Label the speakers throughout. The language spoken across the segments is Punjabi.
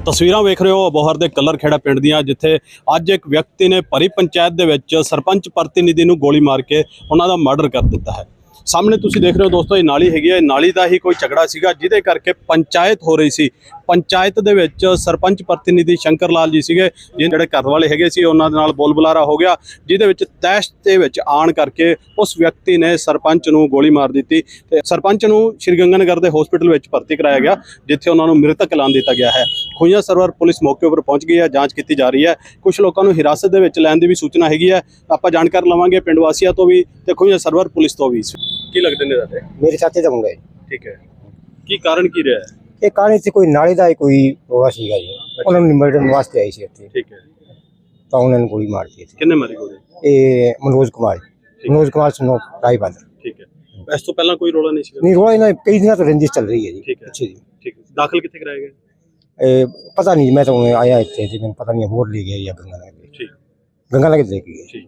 Speaker 1: ਤਸਵੀਰਾਂ ਵੇਖ ਰਹੇ ਹੋ ਅਬੋਹਰ ਦੇ ਕਲਰ ਖੇੜਾ ਪਿੰਡ ਦੀਆਂ, ਜਿੱਥੇ ਅੱਜ ਇੱਕ ਵਿਅਕਤੀ ਨੇ ਭਰੀ ਪੰਚਾਇਤ ਦੇ ਵਿੱਚ ਸਰਪੰਚ ਪ੍ਰਤੀਨਿਧੀ ਨੂੰ ਗੋਲੀ ਮਾਰ ਕੇ ਉਹਨਾਂ ਦਾ ਮਰਡਰ ਕਰ ਦਿੱਤਾ ਹੈ। ਸਾਹਮਣੇ ਤੁਸੀਂ ਦੇਖ ਰਹੇ ਹੋ ਦੋਸਤੋ, ਇਹ ਨਾਲੀ ਹੈਗੀ ਹੈ। ਨਾਲੀ ਦਾ ਹੀ ਕੋਈ ਝਗੜਾ ਸੀਗਾ ਜਿਹਦੇ ਕਰਕੇ ਪੰਚਾਇਤ ਹੋ ਰਹੀ ਸੀ। ਪੰਚਾਇਤ ਦੇ ਵਿੱਚ ਸਰਪੰਚ ਪ੍ਰਤੀਨਿਧੀ ਸ਼ੰਕਰ ਲਾਲ ਜੀ ਸੀਗੇ, ਜਿਹੜੇ ਘਰ ਵਾਲੇ ਹੈਗੇ ਸੀ ਉਹਨਾਂ ਦੇ ਨਾਲ ਬੋਲ ਬੁਲਾਰਾ ਹੋ ਗਿਆ, ਜਿਹਦੇ ਵਿੱਚ ਤੈਸ਼ ਦੇ ਵਿੱਚ ਆਣ ਕਰਕੇ ਉਸ ਵਿਅਕਤੀ ਨੇ ਸਰਪੰਚ ਨੂੰ ਗੋਲੀ ਮਾਰ ਦਿੱਤੀ ਤੇ ਸਰਪੰਚ ਨੂੰ ਸ਼੍ਰੀ ਗੰਗਾਨਗਰ ਦੇ ਹਸਪੀਟਲ ਵਿੱਚ ਭਰਤੀ ਕਰਾਇਆ ਗਿਆ, ਜਿੱਥੇ ਉਹਨਾਂ ਨੂੰ ਮ੍ਰਿਤਕ ਐਲਾਨ ਦਿੱਤਾ ਗਿਆ ਹੈ। ਖੂਈਆਂ ਸਰਵਰ ਪੁਲਿਸ ਮੌਕੇ ਉੱਪਰ ਪਹੁੰਚ ਗਈ ਹੈ, ਜਾਂਚ ਕੀਤੀ ਜਾ ਰਹੀ ਹੈ। ਕੁਝ ਲੋਕਾਂ ਨੂੰ ਹਿਰਾਸਤ ਦੇ ਵਿੱਚ ਲੈਣ ਦੀ ਵੀ ਸੂਚਨਾ ਹੈਗੀ ਹੈ। ਆਪਾਂ ਜਾਣਕਾਰੀ ਲਵਾਂਗੇ ਪਿੰਡ ਵਾਸੀਆਂ ਤੋਂ ਵੀ ਤੇ ਖੂਈਆਂ ਸਰਵਰ ਪੁਲਿਸ ਤੋਂ ਵੀ। ਕੀ ਲੱਗਦੇ ਨੇ ਤੁਹਾਡੇ?
Speaker 2: मेरे चाचे का मुंडा है।
Speaker 1: ठीक है, ਕੀ ਕਾਰਨ ਕੀ ਰਿਹਾ ਹੈ?
Speaker 2: ਇਹ ਕਹਾਣੀ ਸੀ ਕੋਈ ਨਾਲੇ ਦਾ ਕੋਈ ਰੋਲਾ ਸੀਗਾ ਜੀ, ਉਹਨਾਂ ਨੂੰ ਨਿਮੜਨ ਵਾਸਤੇ ਆਈ ਸੀ ਇੱਥੇ,
Speaker 1: ਠੀਕ ਹੈ,
Speaker 2: ਤਾਂ ਉਹਨਾਂ ਨੂੰ ਗੋਲੀ ਮਾਰ ਦਿੱਤੀ।
Speaker 1: ਕਿੰਨੇ ਮਾਰੀ ਗੋਲੀ?
Speaker 2: ਇਹ ਮਨੋਜ ਕੁਮਾਰ ਸੁਨੋ ਰਾਈ ਬਾਦਰ।
Speaker 1: ਠੀਕ ਹੈ, ਇਸ ਤੋਂ ਪਹਿਲਾਂ ਕੋਈ ਰੋਲਾ ਨਹੀਂ ਸੀ?
Speaker 2: ਨਹੀਂ, ਰੋਲਾ ਇਹਨਾਂ ਕਈ ਦਿਨਾਂ ਤੋਂ ਰੰਜਿਸ਼ ਚੱਲ ਰਹੀ ਹੈ ਜੀ।
Speaker 1: ਠੀਕ ਹੈ,
Speaker 2: ਅੱਛਾ ਜੀ,
Speaker 1: ਠੀਕ ਹੈ। ਦਾਖਲ ਕਿੱਥੇ ਕਰਾਇਆ ਗਿਆ?
Speaker 2: ਇਹ ਪਤਾ ਨਹੀਂ, ਮੈਂ ਤਾਂ ਆਇਆ ਇੱਥੇ ਜੀ, ਮੈਨੂੰ ਪਤਾ ਨਹੀਂ ਹੋਰ ਲੈ ਗਿਆ ਜਾਂ ਗੰਗਾਨਗਰ।
Speaker 1: ਠੀਕ,
Speaker 2: ਗੰਗਾਨਗਰ ਲੈ ਕੇ ਗਏ।
Speaker 1: ਠੀਕ,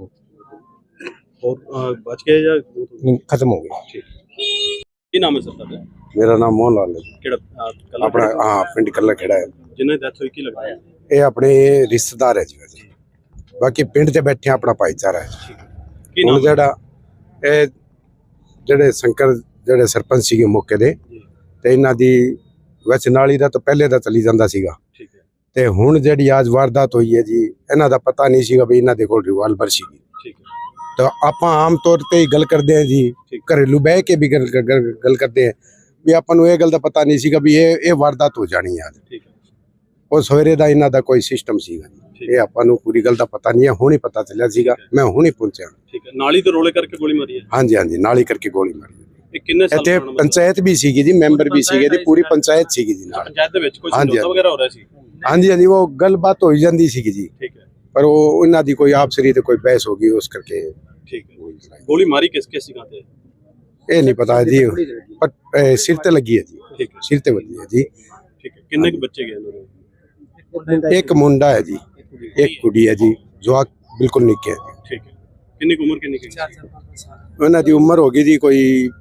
Speaker 1: ਹੋਰ ਬਚ ਗਏ ਜਾਂ
Speaker 2: ਨਹੀਂ, ਖਤਮ ਹੋ ਗਿਆ।
Speaker 1: ਠੀਕ, ਕੀ ਨਾਮ ਹੈ ਸਰ ਤੁਹਾਡਾ?
Speaker 3: ਮੇਰਾ ਨਾਮ ਮੋਹਨ ਲਾਲ ਹੈ।
Speaker 1: ਕਿਹੜਾ
Speaker 3: ਆਪਣਾ ਪਿੰਡ ਕੱਲਾ ਖੇੜਾ ਹੈ।
Speaker 1: ਜਿੰਨੇ ਡੈਥ ਹੋਈ, ਕੀ ਲੱਗਦਾ ਹੈ?
Speaker 3: ਇਹ ਆਪਣੇ ਰਿਸ਼ਤੇਦਾਰ ਹੈ ਜੀ ਵੈਸੇ, ਬਾਕੀ ਪਿੰਡ 'ਚ ਬੈਠੇ ਆਪਣਾ ਭਾਈਚਾਰਾ ਹੈ।
Speaker 1: ਕੀ
Speaker 3: ਹੁਣ
Speaker 1: ਨਾਮ?
Speaker 3: ਇਹ ਜਿਹੜੇ ਸ਼ੰਕਰ ਜਿਹੜੇ ਸਰਪੰਚ ਸੀਗੇ ਮੌਕੇ ਦੇ, ਤੇ ਇਹਨਾਂ ਦੀ ਵੈਸੇ ਨਾਲੀ ਦਾ ਤਾਂ ਪਹਿਲੇ ਦਾ ਚੱਲੀ ਜਾਂਦਾ ਸੀਗਾ,
Speaker 1: ਠੀਕ ਹੈ,
Speaker 3: ਤੇ ਹੁਣ ਜਿਹੜੀ ਅੱਜ ਵਾਰਦਾਤ ਹੋਈ ਹੈ ਜੀ, ਇਹਨਾਂ ਦਾ ਪਤਾ ਨਹੀਂ ਸੀਗਾ ਵੀ ਇਹਨਾਂ ਦੇ ਕੋਲ ਰਿਵਾਲਵਰ ਸੀਗੀ।
Speaker 1: ਠੀਕ ਹੈ,
Speaker 3: ਤਾਂ ਆਪਾਂ ਆਮ ਤੌਰ ਤੇ ਹੀ ਗੱਲ ਕਰਦੇ ਹਾਂ ਜੀ, ਘਰੇਲੂ ਬਹਿ ਕੇ ਵੀ ਗੱਲ ਕਰਦੇ ਹਾਂ ਵੀ ਆਪਾਂ ਨੂੰ ਇਹ ਗੱਲ ਦਾ ਪਤਾ ਨਹੀਂ ਸੀਗਾ ਵੀ ਇਹ ਵਾਰਦਾਤ ਹੋ ਜਾਣੀ ਹੈ।
Speaker 1: ਠੀਕ ਹੈ,
Speaker 3: ਉਹ ਸਵੇਰੇ ਦਾ ਇਹਨਾਂ ਦਾ ਕੋਈ ਸਿਸਟਮ ਸੀਗਾ, ਇਹ ਆਪਾਂ ਨੂੰ ਪੂਰੀ ਗੱਲ ਦਾ ਪਤਾ ਨਹੀਂ ਹੈ, ਹੁਣ ਹੀ ਪਤਾ ਚੱਲਿਆ ਸੀਗਾ, ਮੈਂ ਹੁਣ ਹੀ ਪਹੁੰਚਿਆ।
Speaker 1: ਠੀਕ ਹੈ, ਨਾਲੀ ਦੇ ਰੋਲੇ ਕਰਕੇ ਗੋਲੀ ਮਾਰੀ ਹੈ?
Speaker 3: ਹਾਂਜੀ ਹਾਂਜੀ, ਨਾਲੀ ਕਰਕੇ ਗੋਲੀ ਮਾਰੀ।
Speaker 1: ਇਹ ਕਿੰਨੇ ਸਾਲ
Speaker 3: ਇੱਥੇ
Speaker 1: ਪੁਰਾਣਾ?
Speaker 3: ਪੰਚਾਇਤ ਵੀ ਸੀਗੀ ਜੀ, ਮੈਂਬਰ ਵੀ ਸੀਗੇ ਜੀ, ਪੂਰੀ ਪੰਚਾਇਤ ਸੀਗੀ ਜੀ ਨਾਲ।
Speaker 1: ਪੰਚਾਇਤ ਦੇ ਵਿੱਚ ਕੋਈ
Speaker 3: ਹਾਂਜੀ,
Speaker 1: ਸਮਝੌਤਾ ਵਗੈਰਾ ਹੋ ਰਿਹਾ ਸੀ?
Speaker 3: ਹਾਂਜੀ ਹਾਂਜੀ, ਉਹ ਗੱਲਬਾਤ ਹੋਈ ਜਾਂਦੀ ਸੀਗੀ ਜੀ,
Speaker 1: ਠੀਕ ਹੈ,
Speaker 3: ਪਰ ਉਹ ਇਹਨਾਂ ਦੀ ਕੋਈ ਆਪਸਰੀ ਤੇ ਕੋਈ ਬਹਿਸ ਹੋ ਗਈ ਉਸ ਕਰਕੇ।
Speaker 1: ਠੀਕ ਹੈ, ਗੋਲੀ ਮਾਰੀ ਕਿਸ ਕਿਸ ਜਗ੍ਹਾ ਤੇ?
Speaker 3: ਇਹ ਨਹੀਂ ਪਤਾ ਜੀ, ਪਰ ਸਿਰ ਤੇ ਲੱਗੀ ਹੈ ਜੀ।
Speaker 1: ਠੀਕ ਹੈ,
Speaker 3: ਸਿਰ ਤੇ ਵੱਜੀ ਹੈ ਜੀ।
Speaker 1: ਠੀਕ ਹੈ, ਕਿੰਨੇ ਕੁ ਬੱਚੇ ਗਏ ਇਹਨਾਂ ਦੇ?
Speaker 3: ਇੱਕ ਮੁੰਡਾ ਹੈ ਜੀ, ਇੱਕ ਕੁੜੀ ਹੈ ਜੀ, ਜਵਾਕ ਬਿਲਕੁਲ ਨਿੱਕੇ ਹੈ ਜੀ।
Speaker 1: ਠੀਕ ਹੈ, ਕਿੰਨੀ ਕੁ ਉਮਰ ਕਿੰਨੀ ਕੁ?
Speaker 3: ਉਹਨਾਂ ਦੀ ਉਮਰ ਹੋ ਗਈ ਜੀ ਕੋਈ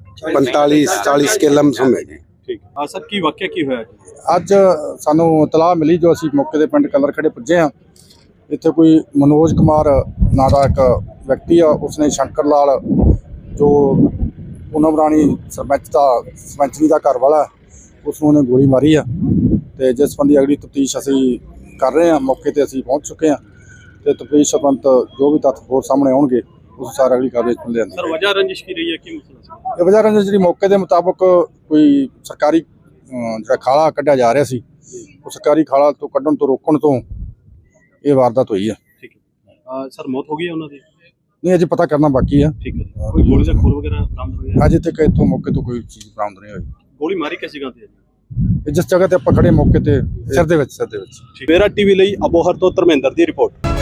Speaker 3: 45-40 ਕੇ ਲਮਸਮ ਹੈ ਜੀ।
Speaker 1: ਠੀਕ ਹੈ, ਆ ਸਰ ਕੀ ਵਾਕਿਆ ਕੀ ਹੋਇਆ ਜੀ?
Speaker 4: ਅੱਜ ਸਾਨੂੰ ਇਤਲਾਹ ਮਿਲੀ, ਜੋ ਅਸੀਂ ਮੌਕੇ ਦੇ ਪਿੰਡ ਕਲਰ ਖੇੜੇ ਪੁੱਜੇ ਹਾਂ। ਇੱਥੇ ਕੋਈ ਮਨੋਜ ਕੁਮਾਰ ਨਾਂ ਦਾ ਇੱਕ ਵਿਅਕਤੀ ਆ, ਉਸਨੇ ਸ਼ੰਕਰ ਲਾਲ ਜੋ ਪੂਨਮ ਰਾਣੀ ਸਰਪੰਚਨੀ ਦਾ ਘਰ ਵਾਲਾ, ਉਸ ਨੂੰ ਉਹਨੇ ਗੋਲੀ ਮਾਰੀ ਆ। ਤੇ ਜਿਸ ਸੰਬੰਧੀ ਅਗਲੀ ਤਫਤੀਸ਼ ਅਸੀਂ ਕਰ ਰਹੇ ਹਾਂ। ਮੌਕੇ ਤੇ ਅਸੀਂ ਪਹੁੰਚ ਚੁੱਕੇ ਹਾਂ ਤੇ ਤਫਤੀਸ਼ ਸੰਬੰਧ ਜੋ ਵੀ ਤੱਥ ਹੋਰ ਸਾਹਮਣੇ ਆਉਣਗੇ ਉਸ ਸਾਰ ਅਗਲੀ ਕਾਰਵਾਈ ਮਿਲ ਜਾਂਦੀ।
Speaker 1: ਸਰ ਵਜ੍ਹਾ ਰੰਜਿਸ਼ ਕੀ ਰਹੀ ਹੈ, ਕੀ ਮਸਲਾ ਸੀ?
Speaker 4: ਇਹ ਵਜ੍ਹਾ ਰੰਜਿਸ਼ ਜਿਹੜੀ ਮੌਕੇ ਦੇ ਮੁਤਾਬਕ ਕੋਈ ਸਰਕਾਰੀ ਜਿਹੜਾ ਖਾਲਾ ਕੱਢਿਆ ਜਾ ਰਿਹਾ ਸੀ, ਉਹ ਸਰਕਾਰੀ ਖਾਲਾ ਤੋਂ ਕੱਢਣ ਤੋਂ ਰੋਕਣ ਤੋਂ ਇਹ ਵਾਰਦਾਤ ਹੋਈ ਹੈ।
Speaker 1: ਠੀਕ ਹੈ, ਸਰ ਮੌਤ ਹੋ ਗਈ ਹੈ ਉਹਨਾਂ ਦੀ?
Speaker 4: ਨਹੀਂ, ਅਜੇ ਪਤਾ ਕਰਨਾ ਬਾਕੀ ਆ।
Speaker 1: ਠੀਕ ਹੈ, ਕੋਈ ਗੋਲੀ ਦਾ ਖੋਲ ਵਗੈਰਾ ਬਰਾਮਦ ਹੋਈ ਹੈ?
Speaker 4: ਅਜੇ ਤੱਕ ਇੱਥੋਂ ਮੌਕੇ ਤੋਂ ਕੋਈ ਚੀਜ਼ ਬਰਾਮਦ ਨਹੀਂ ਹੋਈ।
Speaker 1: ਗੋਲੀ ਮਾਰੀ ਕਿਸ ਜਗ੍ਹਾ ਤੇ?
Speaker 4: ਜਿਸ ਜਗ੍ਹਾ ਤੇ ਆਪਾਂ ਖੜੇ ਮੌਕੇ ਤੇ ਸਿਰ ਦੇ ਵਿੱਚ।
Speaker 1: ਮੇਰਾ ਟੀਵੀ ਲਈ ਅਬੋਹਰ ਤੋਂ ਧਰਮਿੰਦਰ ਦੀ ਰਿਪੋਰਟ।